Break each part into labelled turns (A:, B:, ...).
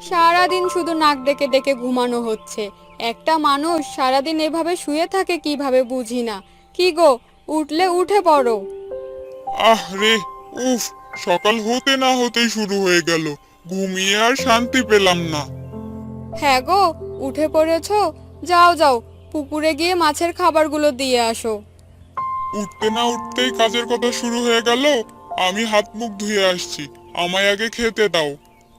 A: সারাদিন শুধু নাক ডেকে ডেকে ঘুমানো হচ্ছে। একটা মানুষ সারাদিন এভাবে শুয়ে থাকে কিভাবে বুঝি না। কি গো, উঠলে উঠে পড়ো।
B: আহ রে, উফ, সকাল হতে না হতেই শুরু হয়ে গেল। ঘুমিয়ে আর শান্তি পেলাম না।
A: হ্যাঁ গো, উঠে পড়েছো। যাও যাও, পুকুরে গিয়ে মাছের খাবারগুলো দিয়ে আসো।
B: উঠতে না উঠতেই কাজের কথা শুরু হয়ে গেল। আমি হাত মুখ ধুয়ে আসছি, আমায় আগে খেতে দাও।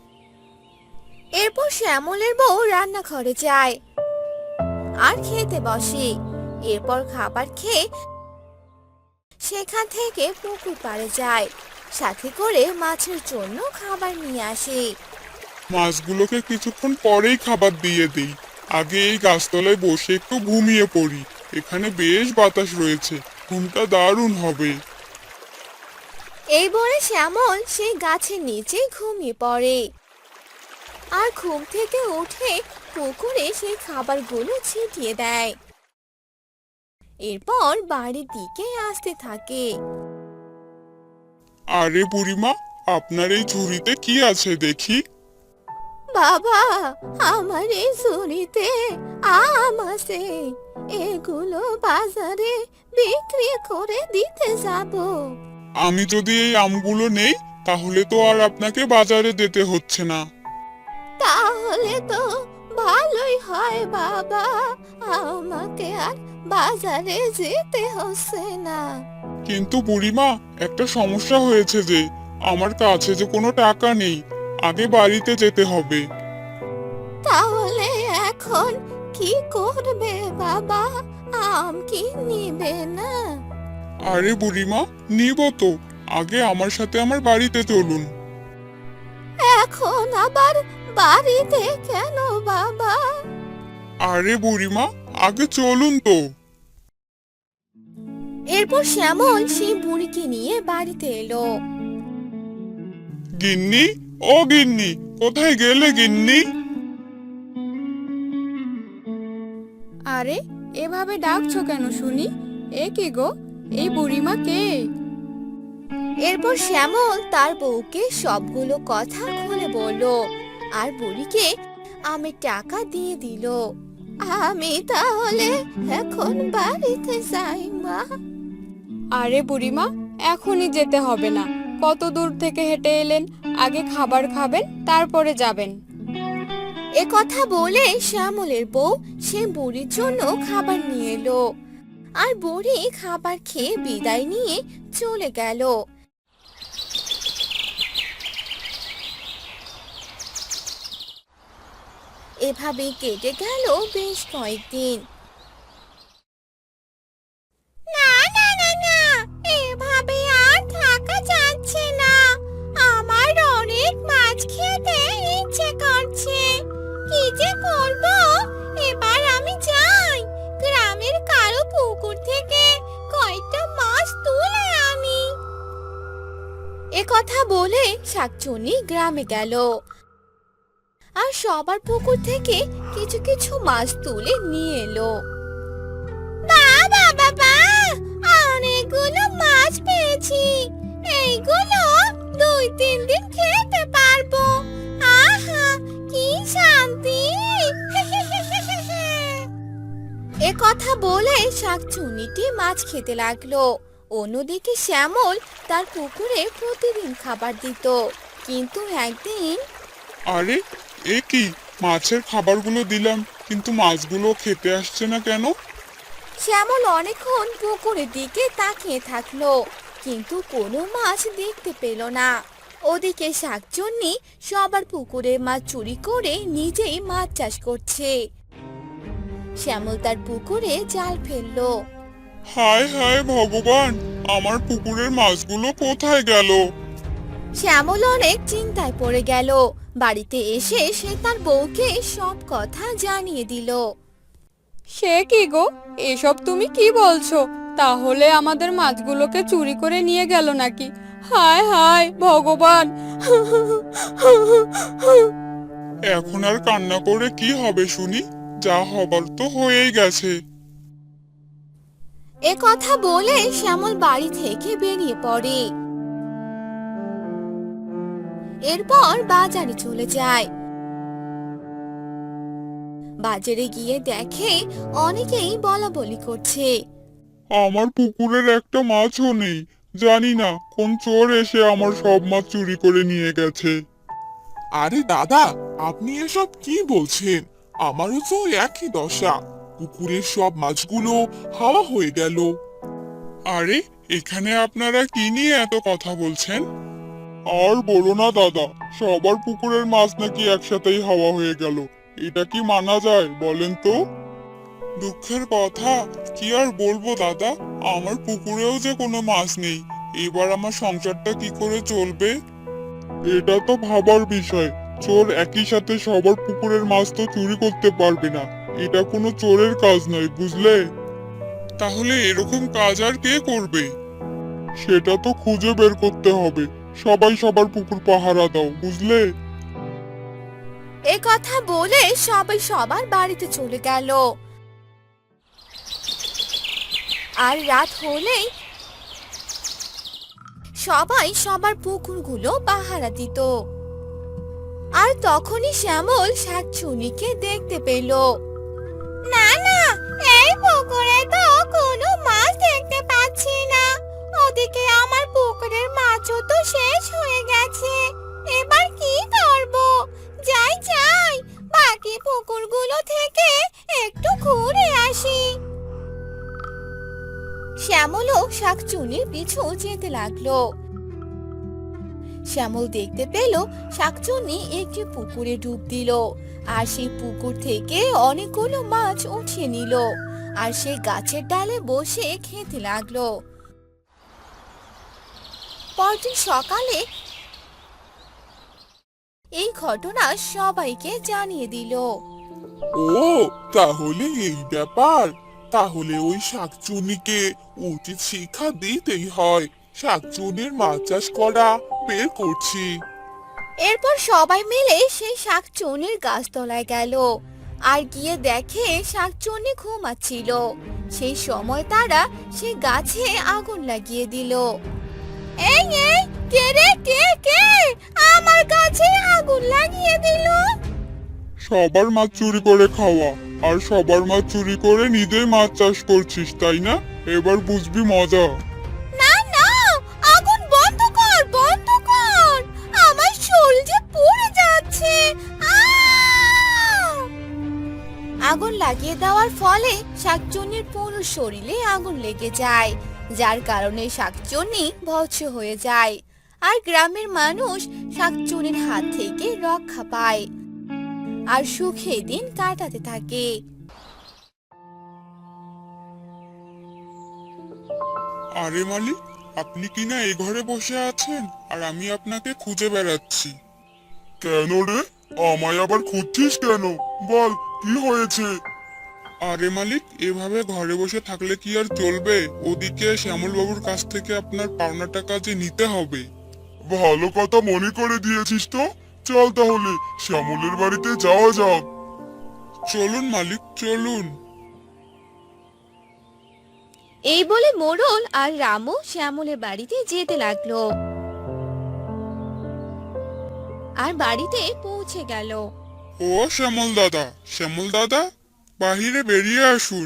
C: এরপর শ্যামলের বউ রান্নাঘরে যায় আর খেতে বসে। এরপর খাবার খেয়ে সেখান থেকে পুকুর পাড়ে যায়, সাথে করে মাছের জন্য খাবার নিয়ে আসে।
B: মাছগুলোকে কিছুক্ষণ পরেই খাবার দিয়ে দিই। আগে এই গাছতলায় বসে একটু ঘুমিয়ে পড়ি। এখানে বেশ বাতাস রয়েছে, ঘুমটা দারুণ হবে।
C: এই বলে শ্যামল সেই গাছের নিচে ঘুমিয়ে পড়ে আর ঘুম থেকে উঠে পুকুরে সেই খাবারগুলো ছিটিয়ে দেয়। এরপর বাড়ির দিকে আসতে থাকে।
B: আরে বুড়িমা, আপনার এই ঝুড়িতে কি আছে দেখি?
C: বাবা, আমার এই ঝুড়িতে আম আছে, এগুলো বাজারে বিক্রি করে দিতে যাব।
B: আমি যদি এই আমগুলো নেই, তাহলে তো আর আপনাকে বাজারে যেতে হচ্ছে না।
C: তাহলে তো ভালোই হয় বাবা, আমাকে আর বাজারে যেতে হচ্ছে না।
B: কিন্তু বুড়িমা, একটা সমস্যা হয়েছে যে আমার কাছে যে কোনো টাকা নেই। আগে বাড়িতে যেতে হবে।
C: তাহলে এখন কি করবে বাবা, আম কি নিবে না?
B: আরে বুড়িমা, নিব তো। আগে আমার সাথে আমার বাড়িতে চলুন।
C: এখন আবার বাড়িতে কেন বাবা?
B: আরে বুড়িমা, আগে চলুন তো।
C: এরপর শ্যামল সেই বুড়িকে নিয়ে বাড়িতে এলো।
B: গিন্নি, ও গিন্নি, কোথায় গেলে গিন্নি?
A: আরে, এভাবে ডাকছো কেন শুনি? এ কি গো, এই বুড়িমা কে?
C: এরপর শ্যামল তার বউকে সবগুলো কথা খুলে বলল আর বুড়িকে আমের টাকা দিয়ে দিল। আমি তাহলে এখন বাড়িতে যাই মা।
A: আরে বুড়িমা, এখনই যেতে হবে না। কত দূর থেকে হেঁটে এলেন, আগে খাবার খাবেন তারপরে যাবেন।
C: এ কথা বলে শ্যামলের বউ সে বুড়ির জন্য খাবার নিয়ে এলো আর বুড়ি খাবার খেয়ে বিদায় নিয়ে চলে গেল। এভাবে কেটে গেল বেশ কয়েকদিন। না না না না, এভাবে আর থাকা যাচ্ছে না। আমার অনেক মাছ খেতে ইচ্ছে করছে। কি যে করব, এবার আমি যাই গ্রামের কারো পুকুর থেকে কয়েকটা মাছ তুলে আনি। এ কথা বলে শাকচুন্নি গ্রামে গেল আর সবার পুকুর থেকে কিছু কিছু মাছ তুলে নিয়ে এলো। বাবা বাবা, অনেকগুলো মাছ পেয়েছি। এইগুলো 2-3 দিন খেতে পারবো। আহা, কি শান্তি! এ কথা বলে শাকচুন্নিটি মাছ খেতে লাগলো। অন্যদিকে শ্যামল তার পুকুরে প্রতিদিন খাবার দিত, কিন্তু একদিন
B: আরে, এ কি, মাছের খাবারগুলো দিলাম কিন্তু মাছগুলো খেতে আসছে না কেন?
C: শ্যামল অনেকক্ষণ পুকুরের দিকে তাকিয়ে থাকলো, কিন্তু কোনো মাছ দেখতে পেল না। ওদিকে শাকচুন্নি সবার পুকুরে মাছ চুরি করে নিজেই মাছ চাষ করছে। শ্যামল তার পুকুরে জাল ফেললো।
B: হায় হায় ভগবান, আমার পুকুরের মাছগুলো কোথায় গেল?
C: শ্যামল অনেক চিন্তায় পড়ে গেল। বাড়িতে এসে সে তার বউকে সব কথা জানিয়ে দিল।
A: সে কি গো, এসব তুমি কি বলছো? তাহলে আমাদের মাছগুলোকে চুরি করে নিয়ে গেল নাকি? হায় হায় ভগবান!
B: এখন আর কান্না করে কি হবে শুনি? যা হবার তো হয়েই গেছে।
C: এ কথা বলে শ্যামল বাড়ি থেকে বেরিয়ে পড়ে। এরপর বাজারে চলে যায়। বাজারে গিয়ে দেখে অনেকেই বলা বলি করছে।
B: আমার পুকুরের একটা মাছও নেই, জানি না কোন চোর এসে আমার সব মাছ চুরি করে নিয়ে গেছে।
D: আরে দাদা, আপনি এসব কি বলছেন? আমারও তো একই দশা। পুকুরের সব মাছগুলো হাওয়া হয়ে গেল।
B: আরে, এখানে আপনারা কি নিয়ে এত কথা বলছেন? আর বলো না দাদা, সবার পুকুরের মাছ নাকি একসাথেই হাওয়া হয়ে গেল। এটা কি মানা যায় বলেন তো? দুঃখের কথা, কি আর বলবো দাদা, আমার পুকুরেও যে কোনো মাছ নেই। এবার আমার সংসারটা কি করে চলবে? এটা তো ভাবার বিষয়। চোর একই সাথে সবার পুকুরের মাছ তো চুরি করতে পারবে না। এটা কোনো চোরের কাজ নয়, বুঝলে? তাহলে এরকম কাজ আর কে করবে? সেটা তো খুঁজে বের করতে হবে। সবাই সবার পুকুর পাহারা দাও, বুঝলে?
C: এ কথা বলে সবাই সবার বাড়িতে চলে গেল। আর রাত হলেই সবাই সবার পুকুরগুলো পাহারা দিত। আর তখনই শ্যামল শাকচুন্নিকে দেখতে পেল। না না, এই পুকুরে তো কোনো মাছ দেখতে পাচ্ছি না। ওদিকে আমার পুকুরের মাছও তো শেষ হয়ে গেছে। এবার কি করব? যাই যাই, বাকি পুকুরগুলো থেকে একটু ঘুরে আসি। শ্যামলও শাকচুন্নির পিছু যেতে লাগলো। শ্যামল দেখতে পেল শাকচুন্নি একটি পুকুরে ডুব দিল, আর সেই পুকুর থেকে অনেকগুলো মাছ উঠিয়ে নিল, আর সে গাছের ডালে বসে খেতে লাগলো। পরদিন সকালে এই ঘটনা সবাইকে জানিয়ে দিল।
D: ও, তাহলে এই ব্যাপার। তাহলে ওই শাকচুন্নিকে উচিত শিক্ষা দিতেই হয়। শাকচুন্নির মাছ চাষ করা বের করছি।
C: এরপর সবাই মিলে সেই শাকচুন্নির গাছতলায় গেল, আর গিয়ে দেখে শাকচুন্নি ঘুমাচ্ছিল। সেই সময় তারা সেই গাছে আগুন লাগিয়ে দিল। এই এই, কে রে, কে কে আমার গাছে আগুন লাগিয়ে দিল?
B: সবার মাছ চুরি করে খাওয়া, আর সবার মাছ চুরি করে নিজেই মাছ চাষ করছিস, তাই না? এবার বুঝবি মজা।
C: না না, আগুন বন্ধ কর, বন্ধ কর, আমার শরীর যে পুড়ে যাচ্ছে। আগুন লাগিয়ে দেওয়ার ফলে শাকচুন্নির পুরো শরীরে আগুন লেগে যায়, যার কারণে শাকচুন্নি ভস্ম হয়ে যায়। আর গ্রামের মানুষ শাকচুন্নির হাত থেকে রক্ষা পায়, আর সুখে দিন কাটাতে থাকে।
B: আরে মালিক, আপনি কি না এই ঘরে বসে আছেন, আর আমি আপনাকে খুঁজে বেড়াচ্ছি। কেন রে, আমায় আবার খুঁজছিস কেন? বল, কি হয়েছে? আরে মালিক, এভাবে ঘরে বসে থাকলে কি আর চলবে? ওদিকে শ্যামল বাবুর কাছ থেকে আপনার পাওনা টাকা যে নিতে হবে। ভালো কথা মনে করে দিয়েছিস তো। চল তাহলে শ্যামলের বাড়িতে যাওয়া যাক। চলুন মালিক, চলুন।
C: এই বলে মোড়ল আর রামু শ্যামলের বাড়িতে যেতে লাগলো, আর বাড়িতে পৌঁছে গেল।
B: ও শ্যামল দাদা, শ্যামল দাদা, বাহিরে বেরিয়ে আসুন।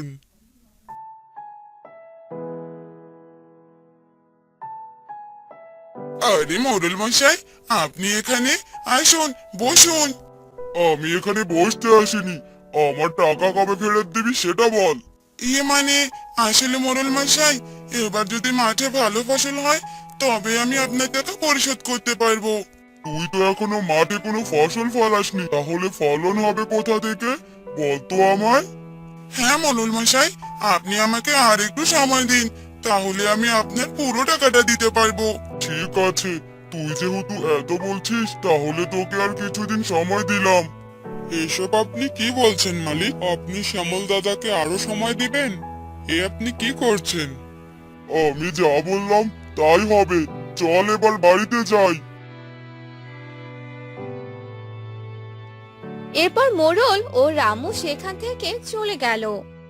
D: আরে মোড়ল মশাই, আপনি এখানে আসুন, বসুন।
B: আমি এখানে বসতে আসিনি, আমার টাকা কবে ফেরত দিবি সেটা বল।
D: ইয়ে মানে, আসলে মোড়ল মশাই, এবার যদি মাঠে ভালো ফসল হয় তবে আমি আপনার টাকা পরিশোধ করতে পারবো।
B: তুই তো এখনো মাঠে কোনো ফসল ফলাসনি, তাহলে ফলন হবে কোথা থেকে বল তো আমায়।
D: হ্যাঁ মোড়ল মশাই, আপনি আমাকে আর একটু সময় দিন, তাহলে আমি আপনার পুরো টাকাটা দিতে পারবো।
B: ঠিক আছে, তুই যেহেতু এত বলছিস তাহলে তোকে আর কিছুদিন সময় দিলাম। এসব আপনি কি বলছেন মালিক? আপনি শ্যামল দাদাকে আরো সময় দিবেন? এ আপনি কি করছেন? আমি যা বললাম তাই হবে। চল এবার বাড়িতে যাই।
C: এরপর মোড়ল ও রামু সেখান থেকে চলে গেল।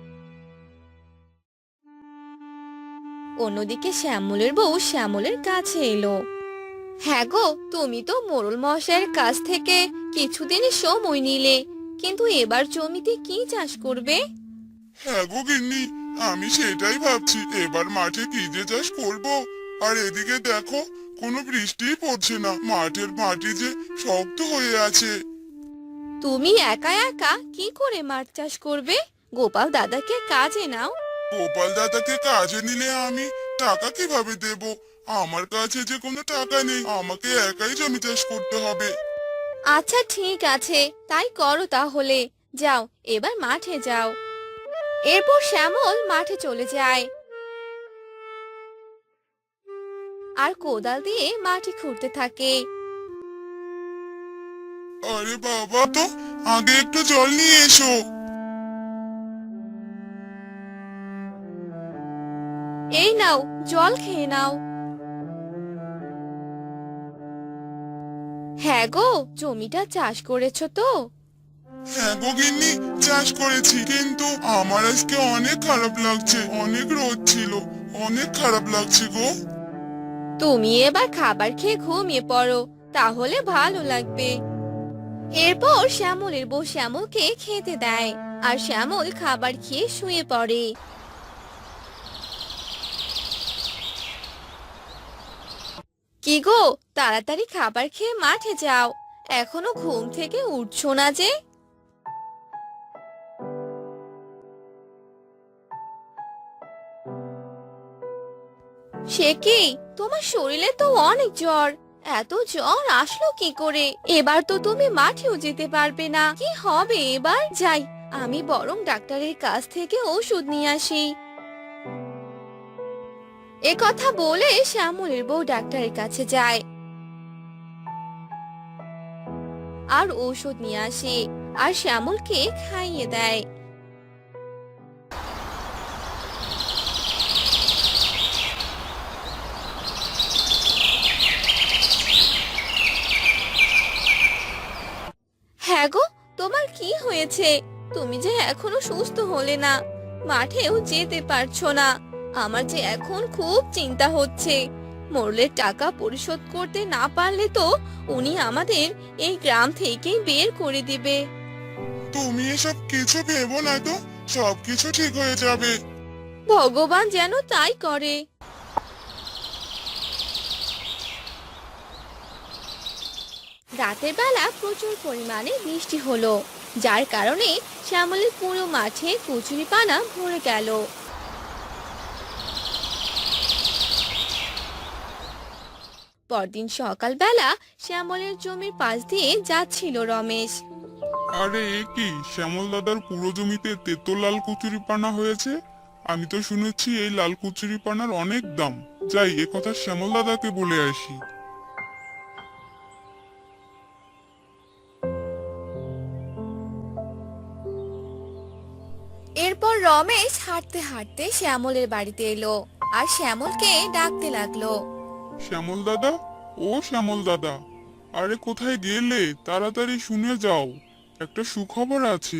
C: অন্যদিকে শ্যামলের বউ শ্যামলের কাছে এলো। হ্যাঁ গো, তুমি তো মোড়ল মশাইয়ের কাছ থেকে কিছুদিন সময় নিলে, কিন্তু এবার জমিতে কি চাষ করবে?
B: হ্যাঁ গো গিন্নি, আমি সেটাই ভাবছি, এবার মাঠে কি যে চাষ করবো। আর এদিকে দেখো, কোনো বৃষ্টিই পড়ছে না, মাঠের মাটি যে শক্ত হয়ে আছে।
C: তুমি একা একা কি করে মাছ চাষ করবে? গোপাল দাদাকে কাজে নাও।
B: গোপাল দাদাকে কাজে নিলে আমি টাকা কিভাবে দেব? আমার কাছে যে কোনো টাকা নেই, আমাকে একাই জমি চাষ করতে হবে।
C: আচ্ছা ঠিক আছে, তাই করো তাহলে। যাও, এবার মাঠে যাও। এরপর শ্যামল মাঠে চলে যায় আর কোদাল দিয়ে মাটি খুঁড়তে থাকে।
B: আরে বাবা, তো আগে একটু জল নিয়ে এসো।
C: এই নাও, জল খেয়ে নাও। হ্যাঁ গো, জমিটা চাষ করেছো তো?
B: হ্যাঁ গো গিন্নি, চাষ করেছি, কিন্তু আমার আজকে অনেক খারাপ লাগছে, অনেক রোদ ছিল, অনেক খারাপ লাগছে গো।
C: তুমি এবার খাবার খেয়ে ঘুমিয়ে পড়ো, তাহলে ভালো লাগবে। এরপর শ্যামলের বউ শ্যামলকে খেতে দেয় আর শ্যামল খাবার খেয়ে শুয়ে পড়ে। কি গো, তাড়াতাড়ি খাবার খেয়ে মাঠে যাও, এখনো ঘুম থেকে উঠছো না যে? সে কি, তোমার শরীরে তো অনেক জ্বর, এত জ্বর আসলো কি করে? এবার তো তুমি মাঠেও যেতে পারবে না, কি হবে এবার? যাই, আমি বরং ডাক্তারের কাছ থেকে ওষুধ নিয়ে আসি। এ কথা বলে শ্যামলের বউ ডাক্তারের কাছে যায় আর ঔষধ নিয়ে আসে আর শ্যামলকে খাইয়ে দেয়। হ্যাঁ গো, তোমার কি হয়েছে? তুমি যে এখনো সুস্থ হলে না, মাঠেও যেতে পারছো না। আমার যে এখন খুব চিন্তা হচ্ছে। মোড়লের টাকা পরিশোধ করতে না পারলে তো উনি আমাদের এই গ্রাম থেকেই বের করে দিবে।
B: তুমি এসব কিছু ভেবো না তো, সবকিছু ঠিক হয়ে যাবে।
C: ভগবান যেন তাই করে। রাতের বেলা প্রচুর পরিমাণে বৃষ্টি হলো, যার কারণে শ্যামলের পুরো মাঠে কচুরিপানা ভরে গেল। পরদিন সকালবেলা শ্যামলের জমির পাশ দিয়ে যাচ্ছিল রমেশ।
B: আরে এ কি, শ্যামল দাদার পুরো জমিতে তেতো লাল কচুরিপানা হয়েছে। আমি তো শুনেছি এই লাল কচুরিপানার অনেক দাম। যাই, এ কথা শ্যামল দাদাকে বলে আসি।
C: এরপর রমেশ হাঁটতে হাঁটতে শ্যামলের বাড়িতে এলো আর শ্যামলকে ডাকতে লাগলো।
B: শ্যামল দাদা, ও শ্যামল দাদা, আরে কোথায় গেলে? তাড়াতাড়ি শুনে যাও, একটা সুখবর আছে।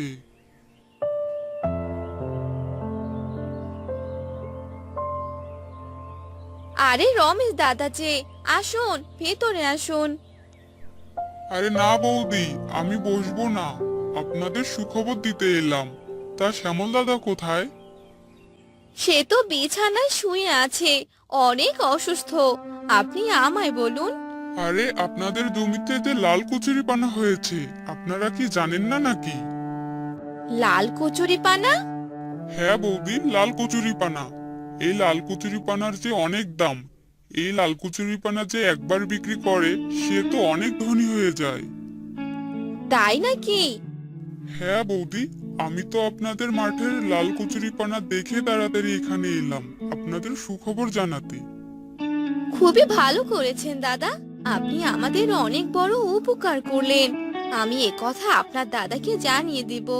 C: আরে রমেশ দাদা যে, আসুন ভেতরে আসুন।
B: আরে না বৌদি, আমি বসবো না, আপনাদের সুখবর দিতে এলাম। তা শ্যামল দাদা কোথায়?
C: সে তো বিছানায় শুয়ে আছে, অনেক অসুস্থ। আপনি আমায় বলুন।
B: আরে আপনাদের জমিতে যে লাল কচুরিপানা হয়েছে, আপনারা কি জানেন না নাকি?
C: লাল কচুরিপানা?
B: হ্যাঁ বৌদি, লাল কচুরিপানা। এই লাল কচুরিপানার যে অনেক দাম। এই লাল কচুরিপানা যে একবার বিক্রি করে, সে তো অনেক ধনী হয়ে যায়।
C: তাই নাকি?
B: হ্যাঁ বৌদি, আমি তো আপনাদের মাঠের লাল কচুরিপানা দেখে তাড়াতাড়ি এখানে এলাম আপনাদের সুখবর জানাতে।
C: খুবই ভালো করেছেন দাদা, আপনি আমাদের অনেক বড় উপকার করলেন। আমি এ কথা আপনার দাদাকে জানিয়ে দিব।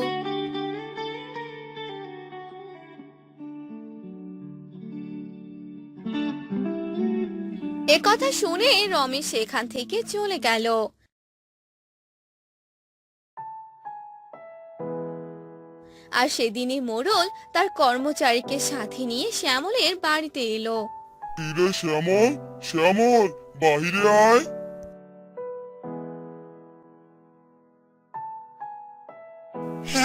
C: এ কথা শুনে রমেশ সেখান থেকে চলে গেল। আর সেদিনই মোড়ল তার কর্মচারীকে সাথে নিয়ে শ্যামলের বাড়িতে এলো।
B: কিরে শ্যামল, শ্যামল, বাহিরে আয়।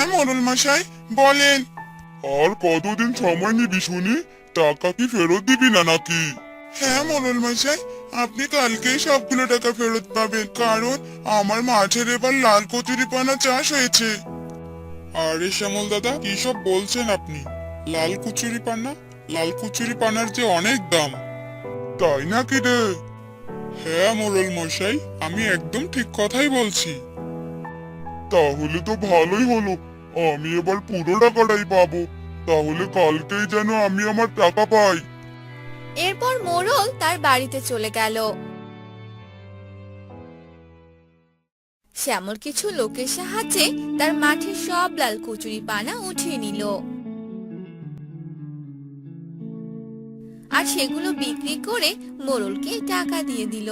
D: হ্যাঁ মোড়ল মশাই বলেন।
B: আর কতদিন সময় নিবি শুনি? টাকা কি ফেরত দিবি না নাকি?
D: হ্যাঁ মোড়ল মশাই, আপনি কালকেই সবগুলো টাকা ফেরত পাবেন, কারণ আমার মাঠের এবার লাল কচুরিপানা চাষ হয়েছে।
B: আরে শ্যামল দাদা, কি সব বলছেন আপনি? লাল কুচুরি পানা? লাল কুচুরি পানার যে অনেক দাম। তাই নাকি রে? হ্যাঁ মোড়ল মশাই, আমি একদম ঠিক কথাই বলছি। তাহলে তো ভালোই হলো, আমি এবার পুরো টাকাটাই পাবো। তাহলে কালকেই যেন আমি আমার টাকা পাই।
C: এরপর মোড়ল তার বাড়িতে চলে গেল। শ্যামল কিছু লোকের সাহায্যে তার মাঠের সব লাল কচুরি পানা উঠিয়ে নিল আর সেগুলো বিক্রি করে মোড়লকে টাকা দিয়ে দিল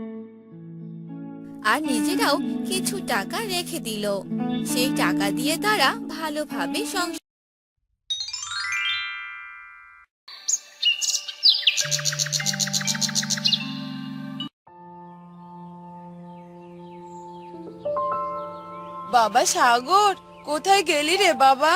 C: আর নিজেরাও কিছু টাকা রেখে দিল। সেই টাকা দিয়ে তারা ভালোভাবে সংসার।
A: বাবা সাগর, কোথায় গেলি রে বাবা?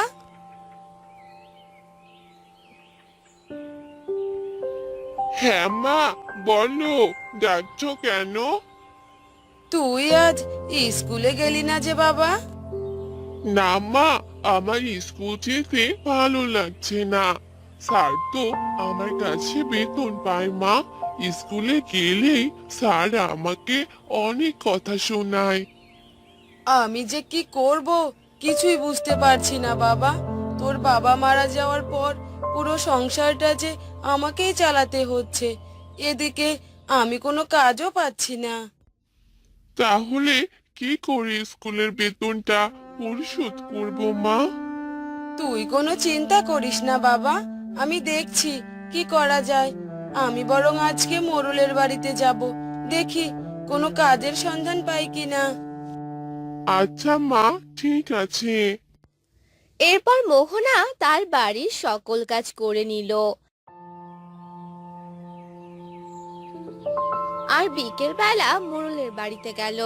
D: হ্যাঁ মা, বলো, যাচ্ছ কেন?
A: তুই আজ স্কুলে গেলি না যে বাবা?
D: না মা, আমার স্কুল যেতে ভালো লাগছে না। স্যার তো আমার কাছে বেতন পায় মা। স্কুলে গেলেই স্যার আমাকে অনেক কথা শোনায়।
A: আমি যে কি করব কিছুই বুঝতে পারছি না বাবা। তোর বাবা মারা যাওয়ার পর পুরো সংসারটা যে আমাকেই চালাতে হচ্ছে, এদিকে আমি কোনো কাজও পাচ্ছি না।
D: তাহলে কি করে স্কুলের বেতনটা পরিশোধ করব মা?
A: তুই কোনো চিন্তা করিস না বাবা, আমি দেখছি কি করা যায়। আমি বরং আজকে মোড়লের বাড়িতে যাব, দেখি কোনো কাজের সন্ধান পাই কিনা।
D: আচ্ছা মা, ঠিক আছে।
C: এরপর মোহনা তার বাড়ির সকল কাজ করে নিল আর বিকেল বেলা মোড়লের বাড়িতে গেল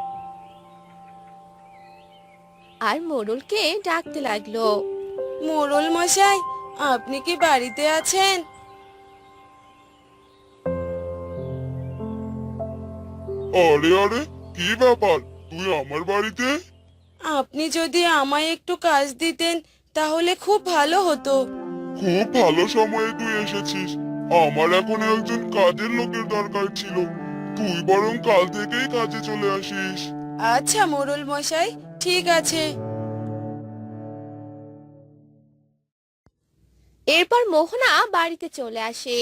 C: আর মোড়লকে ডাকতে লাগলো।
A: মোড়ল মশাই, আপনি কি বাড়িতে আছেন?
B: আরে আরে, কি ব্যাপার, তুই আমার বাড়িতে?
A: আপনি যদি আমায় একটু কাজ দিতেন তাহলে খুব ভালো হতো।
B: খুব ভালো সময়ে তুই এসেছিস। আমার এখন একজন কাজের লোকের দরকার ছিল। তুই বরং কাল থেকেই কাজে চলে আসিস।
A: আচ্ছা মোড়ল মশাই, ঠিক আছে।
C: এরপর মোহনা বাড়িতে চলে আসে।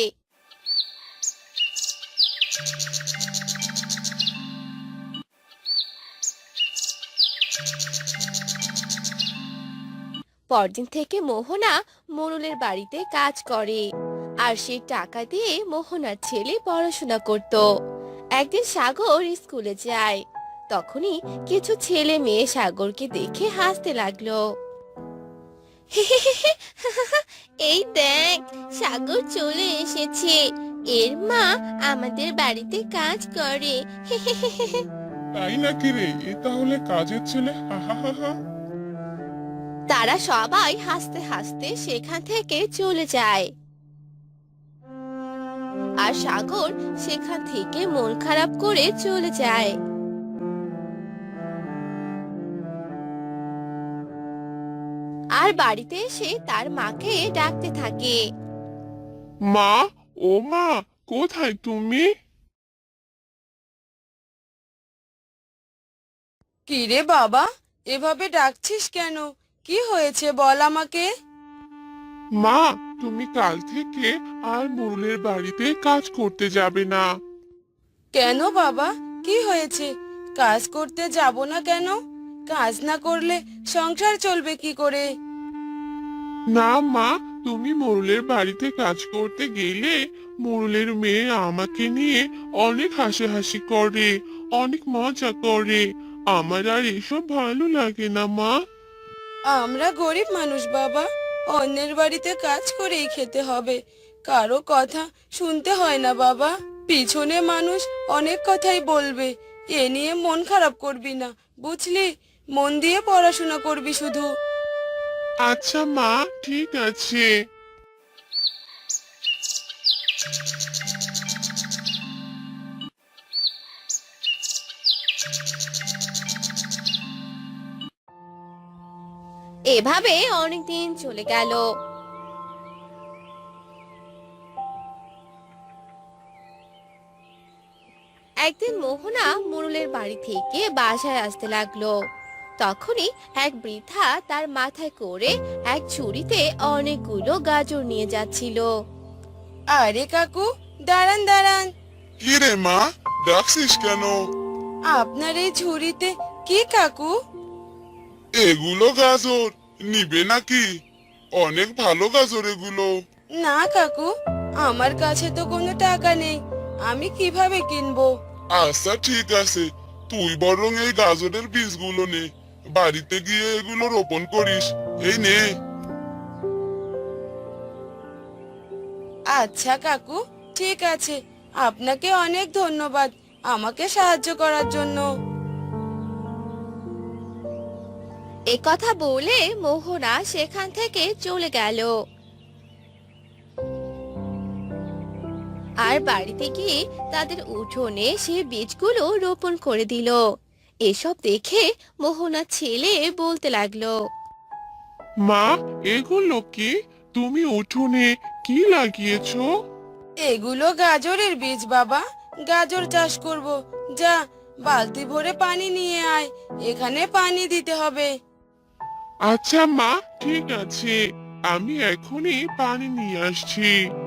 C: পরদিন থেকে মোহনা মোড়লের বাড়িতে কাজ করে আর সেই টাকা দিয়ে মোহনার ছেলে পড়াশোনা করত। একদিন সাগর স্কুলে যায়, তখনই কিছু ছেলে মেয়ে সাগরকে দেখে হাসতে লাগলো। এই দেখ, সাগর চলে এসেছে, এর মা আমাদের বাড়িতে কাজ করে।
B: তাই নাকি রে? এ তাহলে কাজের ছেলে? হা হা হা হা।
C: তারা সবাই হাসতে হাসতে সেখান থেকে চলে যায় আর সাগর সেখান থেকে মন খারাপ করে চলে যায়। আর বাড়িতে এসে তার মাকে ডাকতে থাকে।
D: মা, ও মা, কোথায় তুমি?
A: কি রে বাবা, এভাবে ডাকছিস কেন? কি হয়েছে বল আমাকে।
D: মা, তুমি কাল থেকে আর মোড়লের বাড়িতে কাজ করতে যাবে না।
A: কেন বাবা, কি হয়েছে? কাজ করতে যাব না কেন? কাজ না করলে সংসার চলবে কি করে?
D: না মা, তুমি মোড়লের বাড়িতে কাজ করতে গেলে মোড়লের মেয়ে আমাকে নিয়ে অনেক হাসাহাসি করে, অনেক মজা করে। আমার আর এসব ভালো লাগে না মা।
A: আমরা গরিব মানুষ বাবা, অন্যের বাড়িতে কাজ করেই খেতে হবে। কারো কথা শুনতে হয় না বাবা। পিছনে মানুষ অনেক কথাই বলবে, এ নিয়ে মন খারাপ করবি না, বুঝলি? মন দিয়ে পড়াশোনা করবি শুধু।
D: আচ্ছা মা, ঠিক আছে।
C: এভাবে অনেকদিন চলে গেল। একদিন মোহনা মোড়লের বাড়ি থেকে বাসায় আসতে লাগলো। তখনই এক বৃদ্ধা তার মাথায় করে এক ঝুড়িতে অনেকগুলো গাজর নিয়ে যাচ্ছিল।
A: আরে কাকু, দাঁড়ান দাঁড়ান।
B: কি রে মা, ডাকছিস কেন?
A: আপনার এই ঝুড়িতে কি কাকু?
B: এগুলো গাজর নিবে নাকি? অনেক ভালো গাজর এগুলো।
A: না কাকু, আমার কাছে তো কোনো টাকা নেই, আমি কিভাবে কিনবো?
B: আচ্ছা ঠিক আছে, তুই বরং এই গাজরের বীজগুলো নে, বাড়িতে গিয়ে এগুলো রোপণ করিস। এই নে।
A: আচ্ছা কাকু, ঠিক আছে, আপনাকে অনেক ধন্যবাদ আমাকে সাহায্য করার জন্য।
C: এ কথা বলে মোহনা সেখান থেকে চলে গেল। আর বাড়িতে গিয়ে তাদের উঠোনে সে বীজগুলো রোপণ করে দিল। এসব দেখে মোহনা ছেলে বলতে লাগলো,
D: মা, এগুলো কি? তুমি উঠোনে কি লাগিয়েছো?
A: এগুলো গাজরের বীজ বাবা, গাজর চাষ করব। যা, বালতি ভরে পানি নিয়ে আয়, এখানে পানি দিতে হবে।
D: আচ্ছা মা, ঠিক আছে, আমি এখনই পানি নিয়ে আসছি।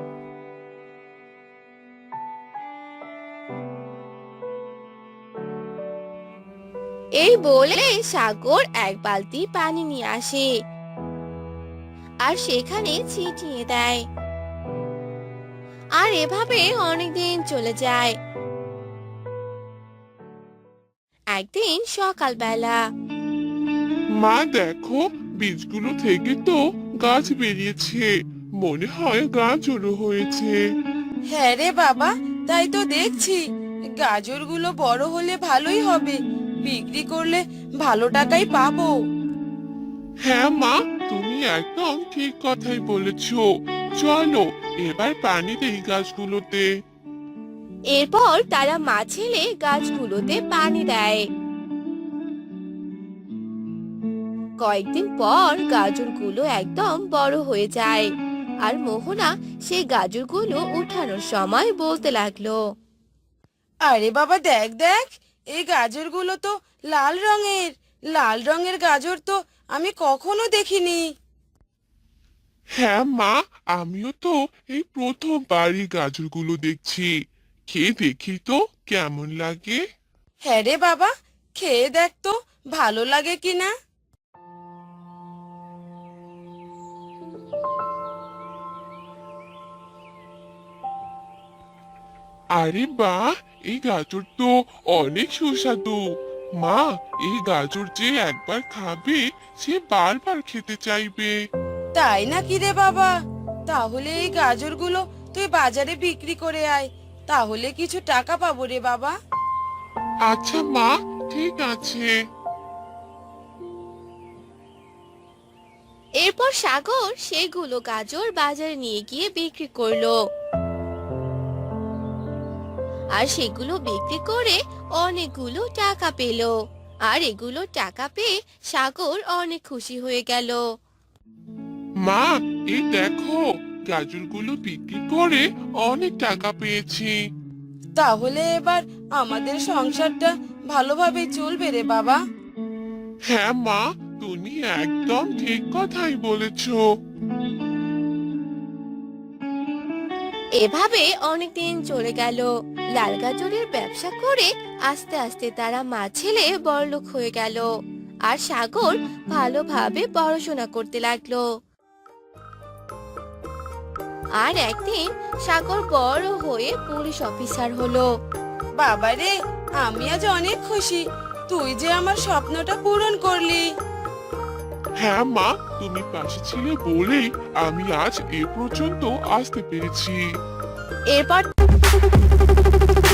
C: এই বলে সাগর এক বালতি পানি নিয়ে আসে আর সেখানে ছিটিয়ে দেয়। আর এভাবে অনেকদিন চলে যায়। একদিন সকালবেলা
D: মা দেখো, বীজগুলো থেকে তো গাছ বেরিয়েছে, মনে হয় গাছও হয়েছে।
A: হ্যাঁ রে বাবা, তাই তো দেখছি। গাজরগুলো বড় হলে ভালোই হবে, বিক্রি করলে ভালো টাকাই পাবো।
D: হ্যাঁ মা, তুমি একদম ঠিক কথাই বলেছো। চলো এবার পানি দেই গাছগুলোতে।
C: এরপর তারা মা ছেলে গাছগুলোতে পানি দেয়। কয়েকদিন পর গাজরগুলো একদম বড় হয়ে যায়। আর মোহনা সেই গাজরগুলো উঠানোর সময় বলতে লাগলো,
A: আরে বাবা, দেখ দেখ, এই গাজরগুলো তো লাল রঙের। লাল রঙের গাজর তো আমি কখনো দেখিনি।
D: হ্যাঁ মা, আমিও তো এই প্রথমবারই গাজরগুলো দেখছি। খেয়ে দেখি তো কেমন লাগে।
A: হ্যাঁ রে বাবা, খেয়ে দেখ তো ভালো লাগে কিনা।
D: আরে বাহ, এই গাজর তো অনেক সুস্বাদু। মা, এই গাজর যে একবার খাবে সে বারবার খেতে চাইবে।
A: তাই নাকি রে বাবা? তাহলে এই গাজরগুলো তুই বাজারে বিক্রি করে আয়, তাহলে কিছু টাকা পাবো রে বাবা।
D: আচ্ছা মা, ঠিক আছে।
C: এরপর সাগর সেগুলো গাজর বাজারে নিয়ে গিয়ে বিক্রি করলো। আর সেগুলো বিক্রি করে অনেকগুলো টাকা পেল। আর এগুলো টাকা পেয়ে সাগর অনেক খুশি হয়ে গেল।
D: মা, এই দেখো, গাজরগুলো বিক্রি করে অনেক টাকা পেয়েছি।
A: তাহলে এবার আমাদের সংসারটা ভালোভাবে চলবে রে বাবা।
D: হ্যাঁ মা, তুমি একদম ঠিক কথাই বলেছো।
C: এভাবে অনেকদিন চলে গেল। লাল গাজরের ব্যবসা করে আস্তে আস্তে তারা মা ছেলে বড়লোক হয়ে গেল। আর সাগর ভালোভাবে পড়াশোনা করতে লাগলো। আর একদিন সাগর বড় হয়ে পুলিশ অফিসার হলো।
A: বাবা রে, আমি আজ অনেক খুশি, তুই যে আমার স্বপ্নটা পূরণ করলি।
D: হ্যাঁ মা, তুমি পাশে ছিলে বলেই আমি আজ এ পর্যন্ত আসতে পেরেছি।
C: এরপর